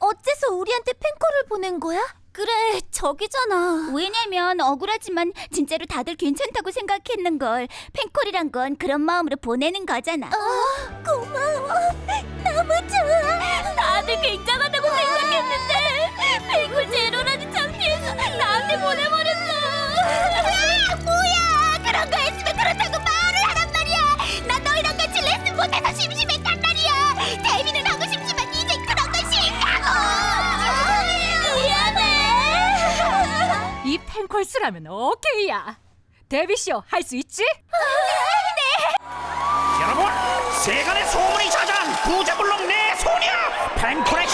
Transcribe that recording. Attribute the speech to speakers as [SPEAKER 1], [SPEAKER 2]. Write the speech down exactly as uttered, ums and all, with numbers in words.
[SPEAKER 1] 어째서 우리한테 팬콜을 보낸 거야? 그래, 저기잖아.
[SPEAKER 2] 왜냐면 억울하지만 진짜로 다들 괜찮다고 생각했는걸. 팬콜이란 건 그런 마음으로 보내는 거잖아.
[SPEAKER 1] 어, 고마워. 너무 좋아.
[SPEAKER 2] 다들 굉장하다고 생각했는데 팬콜 제로라는 창피해서 나한테 보내버렸어.
[SPEAKER 1] 아, 뭐야? 그런 거 했으면 그렇다고 말을 하란 말이야. 난 너희랑 같이 레슨 못해서 심심했단 말이야. 데뷔는 하고 싶지만 이제 그런 거 싫다고. 미안해.
[SPEAKER 3] 이 팬콜 쓰라면 오케이야. 데뷔쇼 할 수 있지?
[SPEAKER 4] 여러분, 세간의 소문이 자자한 구제불능 내 소녀 팬콜의